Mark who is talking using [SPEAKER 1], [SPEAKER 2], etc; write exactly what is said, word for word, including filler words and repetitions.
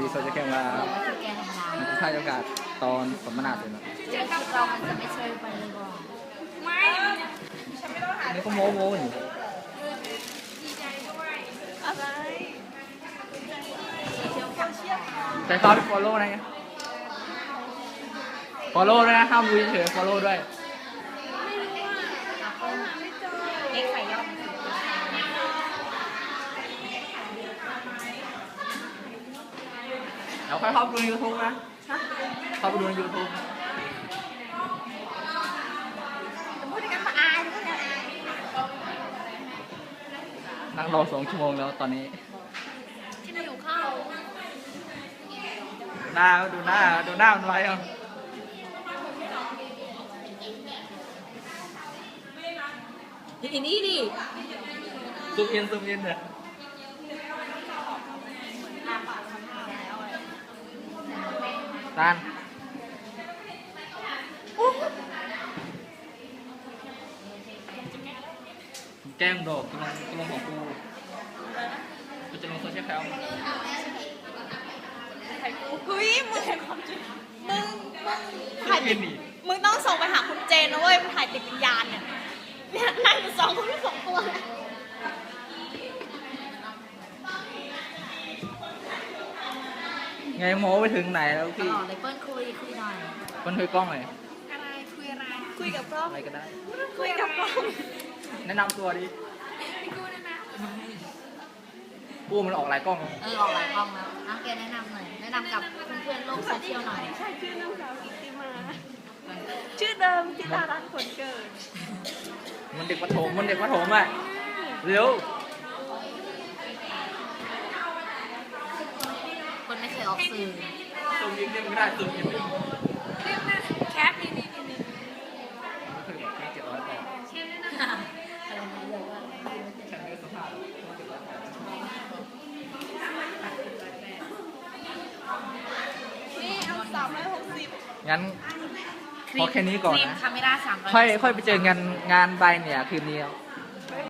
[SPEAKER 1] โซเชียลแคมว่า
[SPEAKER 2] เราก็จะแก้ทำลาย
[SPEAKER 1] มันค่าโอกาสตอนสมนาเสร็จแล้ว
[SPEAKER 2] คิดเรามันจะไม่เชยไปเลยบอก
[SPEAKER 3] ไม่ฉันไม่ต้องหา
[SPEAKER 1] อันนี้ก็โม้โม้อยู่
[SPEAKER 3] ดีใจด้วยอะไร
[SPEAKER 2] เที่ยวแคมป์
[SPEAKER 1] แต่ตอนฟอลโล่นะไงฟอลโล่ด้วยนะห้ามดูเฉยฟอลโล่ด้วย
[SPEAKER 2] เอ็กไข่ย่อม
[SPEAKER 1] เดี๋ยวค่อยเข้าไปดูในยูทูบนะเข้าไปดูในยูทูบ
[SPEAKER 3] พูดกันมาอายพูดกันอาย
[SPEAKER 1] นั่งรอสองชั่วโมงแล้วตอนนี้
[SPEAKER 2] ที่เราอยู่ข้าว
[SPEAKER 1] หน้าดูหน้าดูหน้ามันไว้เอา
[SPEAKER 2] อีนี่ดิ
[SPEAKER 1] ซูมอินซูมอินเนี่ยตานแก้มโดดกำลังกำลังของกูกูจะลงโซเชียลแคม
[SPEAKER 3] เฮ้ยมึงมึงมึง
[SPEAKER 1] ถ่า
[SPEAKER 3] ถ่าย ย
[SPEAKER 1] ติ
[SPEAKER 3] ติ
[SPEAKER 1] ด
[SPEAKER 3] ดมึงต้องส่งไปหาคุณเจนนะเว้ยมึงถ่ายติดวิญญาณเนี่ยเนี่ยนั่งอยู่สองคนสองตัวเนี่ย
[SPEAKER 1] ไงโม้ไปถึงไหนแล้ว
[SPEAKER 2] ต
[SPEAKER 1] พี่
[SPEAKER 2] ลอดเลยเปิ้ลคุยคุยหน่อย
[SPEAKER 1] มันคุยกล้องเลย
[SPEAKER 3] อะไรคุยอะไรคุยกับกล้อง
[SPEAKER 1] อะไรก็ได้
[SPEAKER 3] คุยกับกล้อง
[SPEAKER 1] แนะนำตัวดิ
[SPEAKER 3] พี่กูนะนะ
[SPEAKER 1] กูมันออกหลายกล้อง
[SPEAKER 2] เออออกหลายกล้องแล้วน้ำแกแนะนำหน่อยแนะนำกับเพื่อนๆโลกโซเชียลหน่อย
[SPEAKER 3] ใช่ชื่อนางสาวกิติมาชื่อเดิมที่ดารันผลเกิด
[SPEAKER 1] มันเด็กประถมมันเด็กประถมอ่ะเร็ว
[SPEAKER 2] คนไม่เคยออกสื่อ
[SPEAKER 1] ซูมยิงเล่นไม่ได้ซูมยิงไม่ได้
[SPEAKER 3] เรียกนะแคปนี่นี่นี่นี่
[SPEAKER 1] เคยบอกแค่เจ็ดร้อยแปด
[SPEAKER 3] เชฟด้วยนะ
[SPEAKER 2] อะไรนะเลยว่า
[SPEAKER 1] ฉันไม่สัมภาษณ์เจ็ดร้อยแปด
[SPEAKER 3] นี่เอาสามร้อยหกสิบ
[SPEAKER 1] งั้นพอแค่นี้ก่อน
[SPEAKER 2] ครีม
[SPEAKER 1] นะ
[SPEAKER 2] คาเมล่าสามร้อย
[SPEAKER 1] ค่อยค่อยไปเจอกันงานใบเนี่ยคืนนี้ครับ